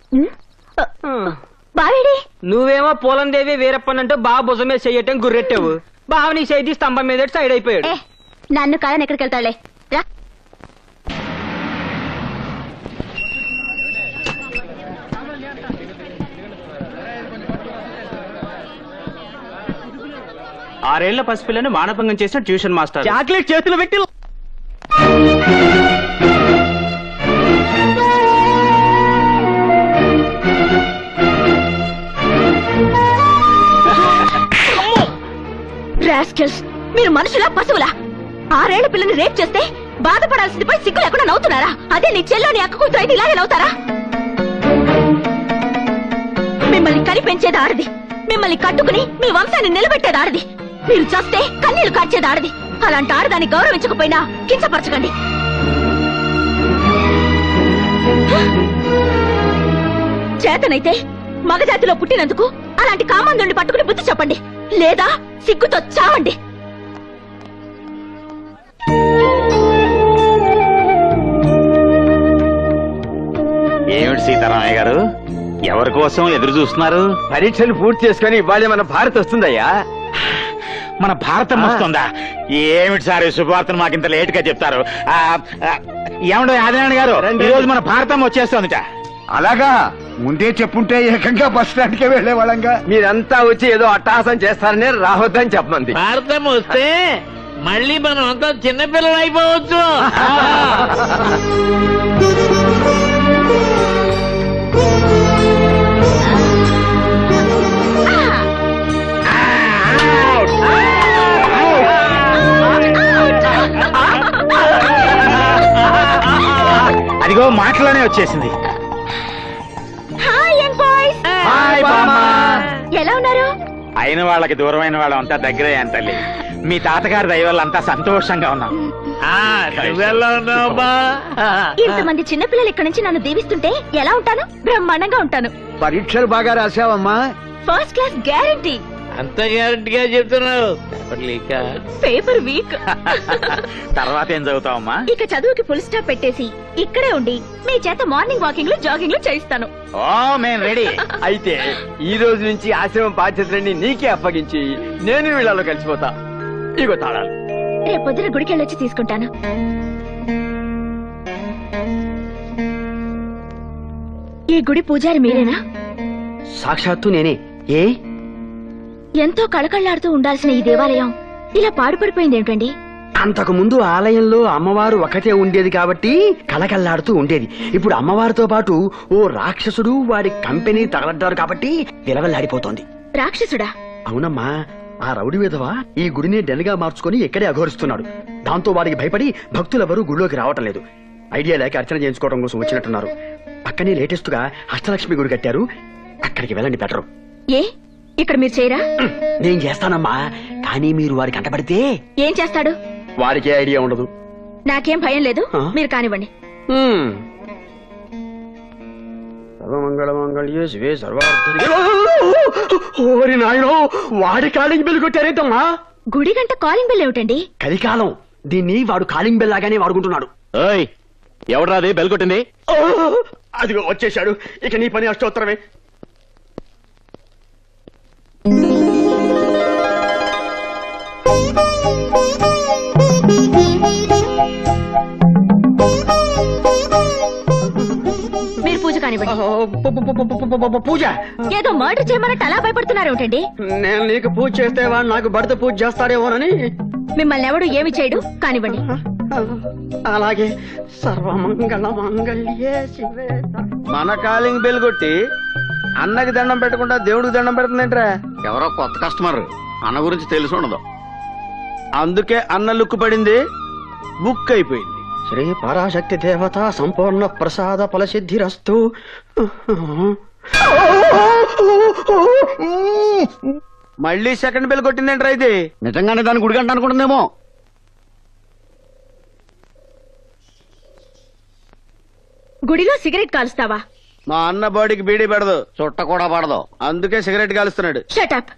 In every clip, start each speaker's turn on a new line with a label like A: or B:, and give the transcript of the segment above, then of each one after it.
A: బావేడి
B: నువ్వేమో పోలందేవి వీరప్పనంటూ బావ భుజం మీద చెయ్యటం గుర్రెట్టావు. బావ నీ చేతి స్తంభం మీద సైడ్ అయిపోయాడు.
A: నన్ను కాదని ఎక్కడికి వెళ్తాడులే రా.
C: ఆరేళ్ల పసిపిల్లని మానభంగం చేసిన ట్యూషన్ మాస్టర్
B: చాక్లెట్ చేతులు పెట్టి
A: రాస్కెల్స్, మీరు మనుషులా పశువులా? 6 ఏళ్ల పిల్లని రేప్ చేస్తే బాధపడాల్సింది పోయి సిగ్గు లేకుండా నవ్వుతున్నారా? అదే నీ చెల్లోని అక్క కూతురు అయితే ఇలాగే నవ్వుతారా? మిమ్మల్ని కనిపెంచేది ఆడది, మిమ్మల్ని కట్టుకుని మీ వంశాన్ని నిలబెట్టేది ఆడది, మీరు చేస్తే కన్నీళ్లు కార్చేది ఆడది. అలాంటి ఆడదాన్ని గౌరవించకపోయినా కించపరచకండి. చేతనైతే మగజాతిలో పుట్టినందుకు అలాంటి కామందుని పట్టుకుని బుద్ధి చెప్పండి, లేదా సిగ్గుతో చావండి.
D: ఏమిటి సీతారామయ్య గారు, ఎవరి కోసం ఎదురు చూస్తున్నారు?
B: పరీక్షలు పూర్తి చేసుకుని ఇవాళ మన భారత్ వస్తుందయ్యా.
D: మన భారతం వస్తుందా? ఏమిటి సార్ ఈ శుభవార్తను మాకింత లేట్ గా చెప్తారు? ఏమండో ఆదినారాయణ గారు, ఈ రోజు మన భారతం వచ్చేస్తుందిట.
E: అలాగా ముందే చెప్పుంటే ఏకంగా బస్ స్టాండ్ కే వెళ్లేవాళ్ళంగా.
B: మీరంతా వచ్చి ఏదో అట్టహాసం చేస్తారని రావద్దని చెప్పమంది.
F: భారతం వస్తే మళ్ళీ మనం అంతా చిన్నపిల్లలు అయిపోవచ్చు.
D: అదిగో మాటలోనే వచ్చేసింది. హాయ్ బామ్మా.
A: ఎలా ఉన్నారు?
D: అయిన వాళ్ళకి దూరమైన వాళ్ళం అంతా దగ్గరే తల్లి. మీ తాతగారి దయ వల్ల అంతా సంతోషంగా ఉన్నాం.
F: నువ్వెలా ఉన్నావా?
A: ఇంతమంది చిన్నపిల్లలు ఇక్కడి నుంచి నన్ను దీవిస్తుంటే ఎలా ఉంటాను? బ్రహ్మాండంగా ఉంటాను.
E: పరీక్షలు బాగా రాసావమ్మా?
A: First class guarantee.
F: అంత గ్యారంటీగా చెప్తున్నావు.
A: Paper weak.
D: తర్వాత ఏం చదువుతావమ్మా?
A: ఇక చదువుకి ఫుల్ స్టాప్ పెట్టేసి ఇక్కడే ఉండి మీ చేత మార్నింగ్ వాకింగ్ లో జాగింగ్ లో చేయిస్తాను.
D: ఓ మేం రెడీ.
B: అయితే ఈ రోజు నుంచి ఆశ్రమం బాధ్యతలన్నీ నీకే అప్పగించి నేను వీళ్ళలో కలిసిపోతా. ఇగో తాళాలు.
A: రేపు పొద్దున గుడికి వెళ్ళొచ్చి తీసుకుంటాను. ఈ గుడి పూజారి మీరేనా?
B: సాక్షాత్తు నేనే. ఏ
A: ఎంతో కళకళ్లాడుతూ ఉండాల్సిన ఈ దేవాలయం ఇలా పాడుపడిపోయింది ఏమిటండి?
B: అంతకు ముందు ఆలయంలో అమ్మవారు ఒకటే ఉండేది కాబట్టి కలకల్లాడుతూ ఉండేది. ఇప్పుడు అమ్మవారితో పాటు ఓ రాక్షసుడు వాడి కంపెనీ తగలడ్డారు కాబట్టి విలవల్లాడిపోతోంది.
A: రాక్షసుడా?
B: అవునమ్మా, ఆ రౌడీ విధవ ఈ గుడిని డెన్గా మార్చుకుని ఇక్కడే అఘోరిస్తున్నాడు. దాంతో వాడికి భయపడి భక్తులెవరూ గుడిలోకి రావటం లేదు. ఐడియా లేక అర్చన చేయించుకోవడం కోసం వచ్చినట్టున్నారు. పక్కనే లేటెస్ట్ గా అష్టలక్ష్మి గుడి కట్టారు, అక్కడికి వెళ్ళండి బెటరు.
A: ఏ ఇక్కడ మీరు చేయరా?
B: నేను చేస్తానమ్మా, కానీ మీరు వాడికి కంటపడితే
A: ఏం చేస్తాడు?
B: వాడికే ఐడియా ఉండదు.
A: నాకేం భయం లేదు, మీరు కానివ్వండి.
B: సర్వమంగళమంగళ్యే శివే సర్వార్థ. ఓరి నాయనో, వాడి కాలింగ్ బెల్ కొట్టారేంటమ్మా?
A: గుడి గంట కాలింగ్ బెల్ ఏమిటండి?
B: కలికాలం దీన్ని వాడు కాలింగ్ బెల్ లాగానే వాడుకుంటున్నాడు.
D: ఎవడ్రాది బెల్ కొట్టింది?
B: అదిగో వచ్చేశాడు. ఇక నీ పని అష్టోత్తరమే.
A: మీరు పూజ కానివ్వండి.
B: పూజ?
A: ఏదో మర్డర్ చేయమన్నట్టు అలా భయపడుతున్నారు ఏమిటండి?
B: నేను నీకు పూజ చేస్తే వాడు నాకు భర్త పూజ చేస్తాడేమోనని.
A: మిమ్మల్ని ఎవడు ఏమి చేయడు, కానివ్వండి.
B: అలాగే. సర్వమంగళ మంగళ్యే శివే.
E: మన కాలింగ్ బెల్ కొట్టి అన్నకి దండం పెట్టకుండా దేవుడికి దండం పెడుతుందేంట్రా?
D: ఎవరో కొత్త కస్టమర్, అన్న గురించి తెలిసి ఉండదు.
E: అందుకే అన్న లుక్కు పడింది, బుక్ అయిపోయింది.
B: శ్రీ పరాశక్తి దేవత సంపూర్ణ ప్రసాద ఫలసిద్ధిరస్తు.
E: మళ్ళీ సెకండ్ బెల్ కొట్టిందేంట్రా ఇది?
D: నిజంగానే దాని గుడిగంట అనుకుంటుందేమో.
A: గుడిలో సిగరెట్ కాలుస్తావా?
E: మా అన్న బాడీకి బీడీ పెడదు,
D: చుట్ట కూడా పడదు,
E: అందుకే సిగరెట్ కాలుస్తున్నాడు.
A: షటప్.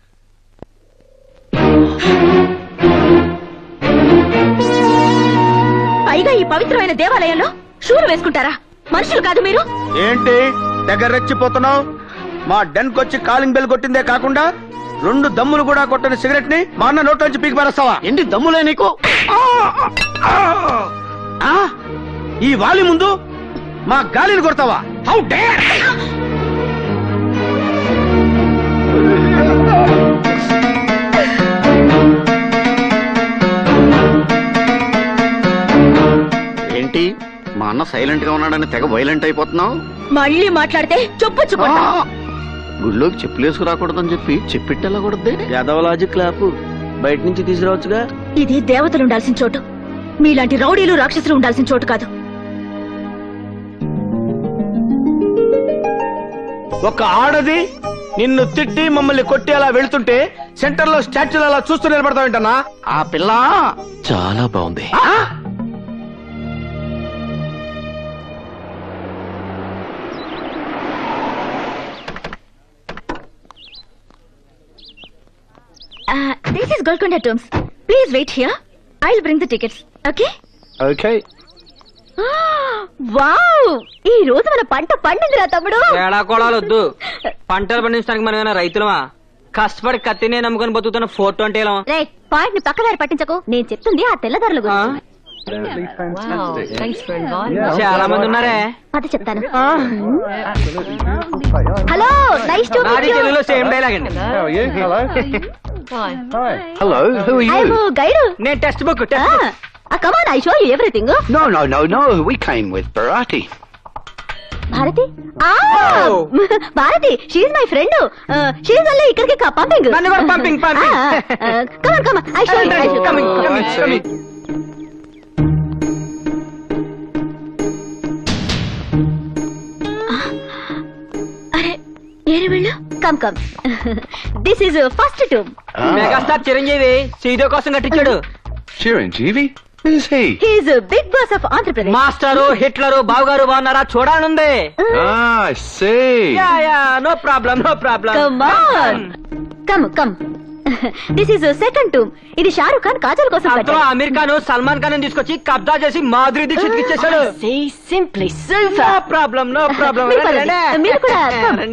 A: పైగా ఈ పవిత్రమైన దేవాలయంలో షూలు వేసుకుంటారా? మనుషులు కాదు మీరు.
E: ఏంటి తెగ రెచ్చిపోతున్నావు. మా డెన్ కొచ్చి కాలింగ్ బెల్ కొట్టిందే కాకుండా 2 దమ్ములు కూడా కొట్టని సిగరెట్ ని మా అన్న నోట్లోంచి పీకి పారేస్తావా?
B: ఏంటి దమ్ములే నీకు?
E: ఆ? ఈ వాలి ముందు మా గాలిని కొడతావా? How dare!
B: ఏంటి మా అన్న సైలెంట్ గా ఉన్నాడని తెగ వైలెంట్ అయిపోతున్నావు?
A: మళ్ళీ మాట్లాడితే చొప్పుచ్చుకుంటా.
B: గుళ్ళోకి చెప్పులేసుకు రాకూడదని చెప్పి చెప్పిట్టెళ్ళకూడదే.
E: యాదవలాజిక్ క్లాప్ బయట నుంచి తీసుకురావచ్చుగా.
A: ఇది దేవతలు ఉండాల్సిన చోటు, మీలాంటి రౌడీలు రాక్షసులు ఉండాల్సిన చోటు కాదు.
E: ఒక ఆడది నిన్ను తిట్టి మమ్మల్ని కొట్టి అలా వెళ్తుంటే సెంటర్ లో స్టాచ్యూలు అలా చూస్తూ నిలబడతావేంటన్నా?
B: ఆ పిల్ల
G: చాలా బాగుంది.
A: This is Golconda Tombs. Please wait here. I'll bring the tickets. Okay?
E: Okay.
A: Wow! ఈ రోజు మన పంట పండిందిరా తమ్ముడు.
H: ఏడాకోళాలొద్దు. పంటలు పండించడానికి మనం ఏమైనా రైతులమా? కష్టపడి కత్తినే నమ్ముకొని బతుకుతున్న ఫోటో అంటే ఎలా?
A: రే, పాయింట్ ని పక్కదారి పట్టించకు. నేను చెప్తుంది ఆ తెల్లదారుల గురించి.
H: చాలా మంది ఉన్నారే.
A: అది చెప్తాను. హలో, నైస్ టు
H: నాది తెలుగులో సేమ్ డైలాగ్ అండి.
G: Hello, who are you?
A: Guide.
H: నేను text book
A: come on, I show you everything.
G: No. We came with Bharati.
A: Bharati? Bharati, she is my friend. She is only ఇక్కడికి పంపింగ్.
H: నన్ను కూడా పంపింగ్.
A: Come on, I show you.
H: Coming.
A: అరే, ఏరి వెళ్ళు. Come. This is first tomb.
H: Megastar Chiranjeevi సీదో కోసం కట్టించాడు.
G: Chiranjeevi? Who's he?
A: He is big boss of Andhra Pradesh.
H: Master, Hitler, బావగారు బాగున్నారా? చూడాలనుంది.
G: Ah, I see.
H: No problem.
A: Come on, come. This is second tomb. ఇది షారుఖ్ ఖాన్ కాజల్ కోసం
H: అందులో అమీర్ ఖాన్, సల్మాన్ ఖాన్ తీసుకొచ్చి కబ్జా చేసి మాధురి దీక్షిత్ ఇచ్చేసాడు. No problem.
A: మీరు కూడా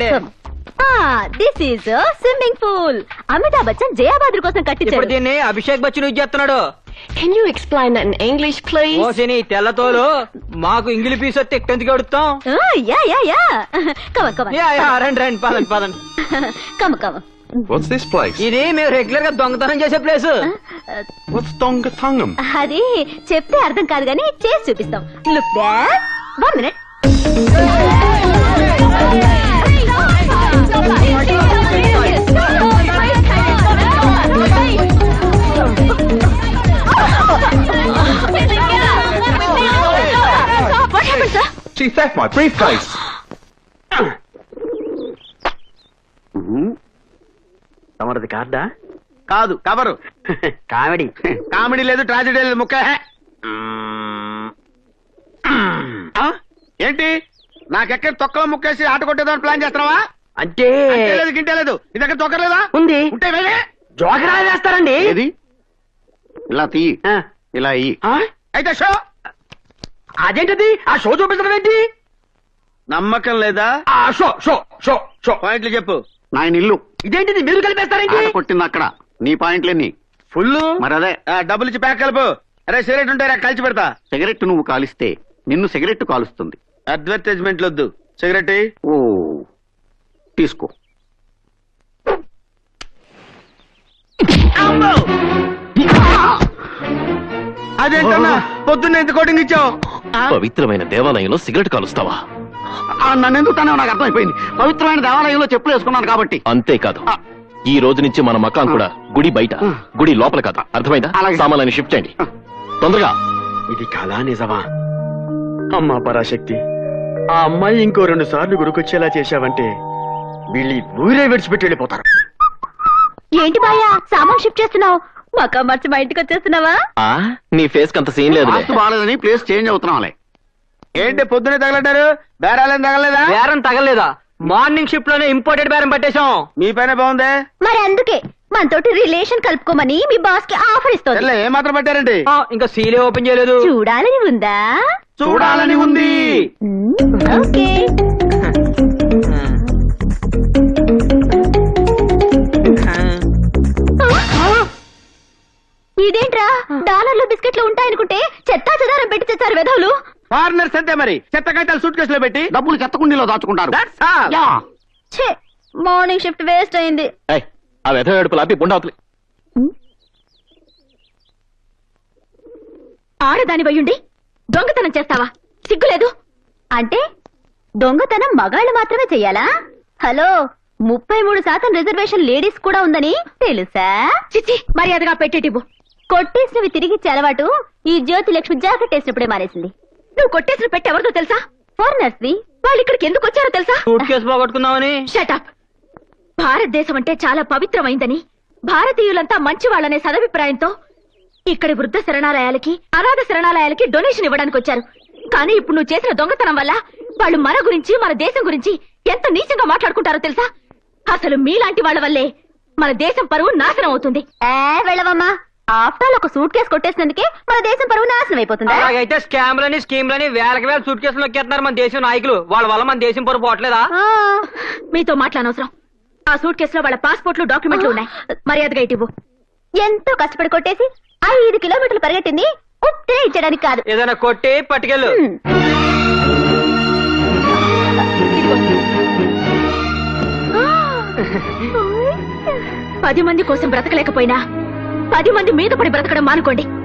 A: this is swimming pool. Amitabh Bachchan Jayabhaduri కోసం
H: ఇప్పుడు
A: కట్టించాడు.
H: దీన్ని అభిషేక్ బచ్చన్ యూజ్ చేస్తున్నాడు.
I: Can you explain that in English, please?
H: ఓ సిని తెల్లతోలు మాకు ఇంగిలి పీస్ వస్తే ఎక్కడికి అడుగుతాం.
A: Yeah come.
H: రండి పదండి.
A: కమ్.
G: What's this place?
H: ఇది మేము రెగ్యులర్ గా దొంగతనం చేసే ప్లేస్.
G: What's Dongathungam?
A: అది చెప్తే అర్థం కాదు కానీ చేసి చూపిస్తాం. Look back. 1 minute. What happened, sir?
G: She theft my briefcase.
B: తమరది కార్డా?
E: కాదు, కవరు.
B: కామెడీ.
E: కామెడీ లేదు, ట్రాజెడీ లేదు, ముక్క. ఏంటి నాకెక్కడ తొక్కలో ముక్కేసి ఆట కొట్టేదాన్ని ప్లాన్ చేస్తున్నావా?
B: అంటే
E: లేదు, గింటే లేదు. నీ దగ్గర తొక్కలేదా?
B: ఉంది.
E: ఉంటే వెళ్ళే.
B: జోకరా వేస్తారండి.
G: ఏది? ఇలా తీ. ఇలా అయ్యి.
E: అయితే షో.
B: అదేంటది? ఆ షో చూపించడం ఏంటి?
E: నమ్మకం లేదా?
B: ఆ షో షో షో షో
E: పాయింట్లు చెప్పు.
G: నా ఇల్లు.
B: ఇదేంటిది? మీరు కలిపేస్తారేంటి?
G: ఆట కొట్టింది అక్కడ. నీ పాయింట్లెన్ని?
E: ఫుల్.
G: మరి అదే.
E: డబ్బులు ఇచ్చి ప్యాక్ కలుపు. అరే సిగరెట్ ఉంటారా? కలిసి పెడతా.
G: సిగరెట్ నువ్వు కాలిస్తే నిన్ను సిగరెట్ కాలుస్తుంది.
E: అడ్వర్టైజ్మెంట్ వద్దు. సిగరెట్
G: ఓ తీసుకో.
E: అదేంటన్నా పొద్దున్న ఎంత కోటింగ్ ఇచ్చావు?
G: పవిత్రమైన దేవాలయంలో సిగరెట్ కాలుస్తావా? నన్ను ఎందుకు తానే నాకు అర్థమైపోయింది. పవిత్రమైన దేవాలయంలో చెప్పులు వేసుకున్నాను కాబట్టి. అంతేకాదు, ఈ రోజు నుంచి మన మకాం కూడా గుడి బయట, గుడి లోపల కాదు. అర్థమైందా? సామాన్యాన్ని షిఫ్ట్ చేయండి తొందరగా.
B: ఇది కళా నిజమా? అమ్మా పరాశక్తి, ఆ అమ్మాయి ఇంకో 2 సార్లు గురికొచ్చేలా చేశావంటే వీళ్ళు ఊరే విడిచిపెట్టి వెళ్ళిపోతారు.
A: ఏంటి బాయా సామాన్ షిఫ్ట్ చేస్తున్నావు? మకా మార్చి మా ఇంటికి వచ్చేస్తున్నావా?
G: నీ ఫేస్ కంత సీన్ లేదు. బాగాలేదని ప్లేస్ చేంజ్ అవుతున్నాంలే.
E: ఏంటి పొద్దునే తగలడ్డారు? బేరాలేం తగలేదా?
H: బేరం తగలేదా? మార్నింగ్ షిఫ్ట్ లోనే ఇంపోర్టెడ్ బేరం పట్టేశాం.
E: మీ పైన బాగుందే.
A: మరి అందుకే మనతోటి రిలేషన్ కలుపుకోమని మీ బాస్ కి ఆఫర్ ఇస్తుంది.
E: ఏం మాత్రం పట్టారండి?
H: ఇంకా సీలే ఓపెన్ చేయలేదు.
A: చూడాలని ఉందా?
E: చూడాలని ఉంది.
A: ఓకే.
E: అంతే మరి చెత్త కాగితాలు సూట్ కేసులో పెట్టి
B: డబ్బులు చెత్తకుండీలో దాచుకుంటారు
E: That's all.
B: Yeah.
A: Morning shift waste అయింది.
G: ఏయ్, ఆ వ్యధ ఏడుపులు ఆపి బుండావతలి.
A: ఆడదాని వయ్యుండి దొంగతనం చేస్తావా? సిగ్గులేదు? అంటే దొంగతనం మగాళ్ళు మాత్రమే చెయ్యాలా? హలో, 33% రిజర్వేషన్ లేడీస్ కూడా ఉందని తెలుసా? చిచ్చి, మర్యాదగా పెట్టేటివ్వు. కొట్టేసినవి తిరిగిచ్చే అలవాటు ఈ జ్యోతి లక్ష్మి జాకెట్ వేసినప్పుడే మానేసింది. నువ్వు కొట్టేసిన పెట్టి ఎవరితో తెలుసా? ఫారినర్స్ ది. వాళ్ళు ఇక్కడికి ఎందుకు వచ్చారో తెలుసా?
H: సూట్ కేసు పోగొట్టుకుందామని.
A: షటప్. భారతదేశం అంటే చాలా పవిత్రమైందని, భారతీయులంతా మంచి వాళ్ళనే సదభిప్రాయంతో ఇక్కడి వృద్ధ శరణాలయాలకి, అనాథ శరణాలయాలకి డొనేషన్ ఇవ్వడానికి వచ్చారు. కానీ ఇప్పుడు నువ్వు చేసిన దొంగతనం వల్ల వాళ్ళు మన గురించి, మన దేశం గురించి ఎంత నీచంగా మాట్లాడుకుంటారో తెలుసా? అసలు మీలాంటి వాళ్ళ వల్లే మన దేశం పరువు నాశనం అవుతుంది. వెళ్ళవమ్మా, ఆఫ్టర్ ఒక సూట్ కేసు కొట్టేసినందుకే మన దేశం పరువు నాశనం అయిపోతుంది.
H: అలాగైతే స్కామ్లని స్కీమ్లని వేలకి వేల సూట్ కేసులు నొక్కేస్తున్నారు మన దేశం నాయకులు. వాళ్ళ వల్ల మన దేశం పరువు పోవట్లేదా?
A: మీతో మాట్లాడనవసరం. ఆ సూట్ కేసులో వాళ్ళ పాస్పోర్ట్లు, డాక్యుమెంట్లు ఉన్నాయి. మర్యాదగా ఇటివ్వు. ఎంతో కష్టపడి కొట్టేసి 5 కిలోమీటర్లు పరిగెట్టింది ఉత్తే ఇచ్చడానికి కాదు.
H: ఏదైనా కొట్టి పట్టుకెళ్ళు.
A: పది మంది కోసం బ్రతకలేకపోయినా 10 మంది మీద పడి బ్రతకడం మానుకోండి.